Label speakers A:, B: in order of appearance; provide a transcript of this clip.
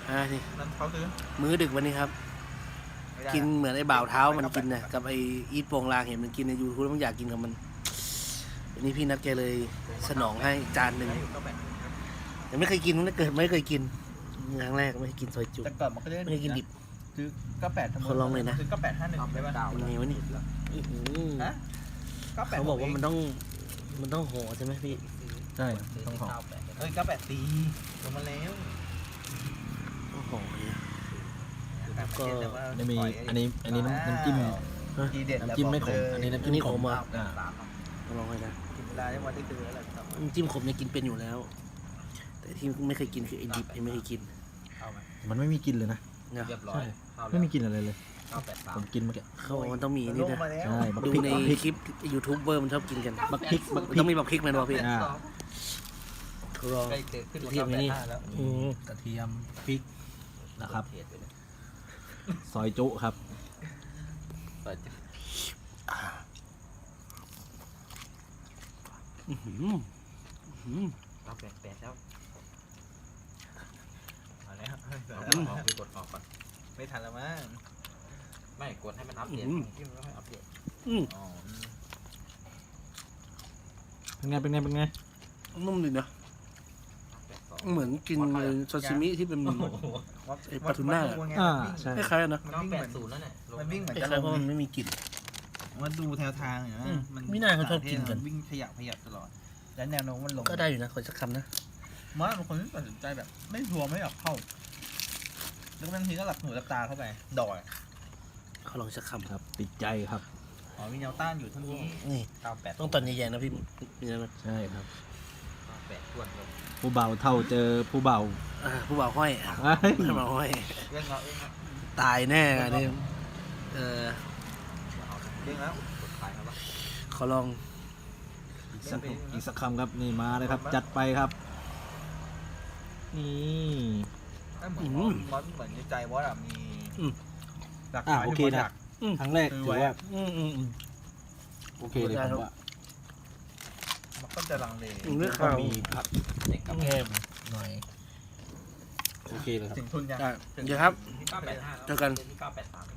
A: นี่
B: นั่นเขาซื้อ
A: มื้อดึกวันนี้ครับ
B: ไม่ได้
A: กินเหมือนไอ้บ่าวเท้ามันกินนะกับไอ้อีทโปงลางเห็นมันกินในยูทูบแล้วมันอยากกินกับมันวันนี้พี่นัดแกเลยสนองให้จานหนึ่ง
B: ได้อยู่ก็แบบ
A: แต่ไม่เคยกินตั้งแต่เกิดไม่เคยกินครั้งแรกไม่เคยกินซอยจุ
B: แต่ก่อนมันก็ได้
A: ไม่เคยกินดิบ
B: ซื้อก็8ทำ
A: ขอลองเลยนะ
B: ซื้อก็851ใช่ป่ะ
A: ยังไงวะนี่อื้อหือ
B: ฮะก็8
A: เขาบอกว่ามันต้องห่อใช่ไหมพี่
C: ใช่ต้องห่อ
B: เอ้ยก็8ตีลงมาแล้ว
A: ต้องห่อเนี่ย ก็
C: อันนี้มีอันนี้น้ำจิ้ม
B: ทีเด็ด
C: น้ำจิ้มไม่ขมอันนี้น้ำจิ้มขม
A: อ่ะ
C: อ่า
A: ต้องลองให้นะ
B: กินเวลาได้วันได้ซื้ออะไรครับ
A: น้ำจิ้มขมเนี่ยกินเป็นอยู่แล้ว แต่ที่ไม่เคยกินคือไอ้ดิบไอ้ไม่เคยกิน
B: เอาไหม
C: มันไม่มีกลิ่นเลยนะ
A: นะ
B: เรียบร้อย
C: ใช่ไม่มีกลิ่นอะไรเลย
B: 983
C: ผมกินเมื่อกี้
A: เขาบอกมันต้องมีนี่นะ
C: ใช่บัก
A: ดู
C: พริก
A: ใน
C: บักพริก
A: คลิปยูทูบเบอร์มันชอบกินกัน
C: บักพริกบักพริ
A: ต้อก งมีบักพริกมันวะพี่
C: อ่า
A: รอ
B: ใกล้เจอขึ้น
A: เทียมไว้นี่
B: แล้ว
C: กระเทียมพริกนะครับ ซอยจุครับ
A: อื้อหืออื้อหือ
B: เราแปดแล้วมาแล้ว
D: เอาไปกดออกก่อน
B: ไม่ทันแล้วมั้ง
D: ไม่กดให้มันอัปเดตที่มันไม่อัปเดต
A: อืม
B: อ๋อ
C: เป็นไง
A: นุ่มดีนะ
D: 82
A: เหมือนกินซาซิมิที่เป็น ไอ้ปลาทูน่า
C: อ่าใช่
A: คล้ายๆนะ
B: มันวิ่งเหมือน
D: 980แล้วเนี่ยลง
B: มันวิ่งเหมือน
A: ค
B: จะ
A: ล้ายๆเพราะมันไม่มีกลิ่น
B: มันดูแนวทางอย่าง
A: อื
B: นะ
A: มไม่น่าเขาชอบกินกัน
B: วิ่งขยับตลอด แล้วแนวโน้มมันลง
A: ก็ได้อยู่นะขอสักคำนะ
B: มันเป็นคนที่ตัดสินใจแบบ ไม่ชัวร์ไม่อยากเข้า แล้วบางทีก็หลับหูหลับตาเข้าไป ดอย
A: เขาลองสักคำ
C: ครับติดใจครับ
B: อ๋อมีแนวต้านอยู่เท่านี้
A: นี่
B: 98
A: ต้องตอนใหญ่ๆนะพี่มีอะไรไหม
C: ใช่ครับ
D: 98ทวนเลย
C: ผู้เบาเท่าเจอผู้เบา
A: ผู้บ่าวห้อยอ่ะ
C: เอ้ย
A: ผู้บ่าวห้อย
B: เรื่องเราเองครับ
A: ตายแน่อันนี่
D: เด้งแล้วกดขายครับวะ
A: ขอลอง
C: อีกสักคำครับนี่มาเลยครับ จัดไปครับ นี่
B: เหมือนเหมือนในใจว่าอะมีหลัก
C: อ่า
B: ฐาน
C: โอเค
B: ยู่บน
C: นะ
B: ดัก
C: ครั้งแรก
B: คือ
C: ถือ
B: ไว้
C: ว่า
B: อะ
C: โอเคเลยผมว่า
B: มันก็จะลังเล
A: เลือก
C: ก็
A: ข้าว
C: มีผัก
D: เด็กกับ
A: แง่ม
C: หน่อยโอเคเลยครับ
B: ถึงทุนยัง
A: เดี๋ยวครับ
D: ที่985
A: เจอกัน
D: ที่983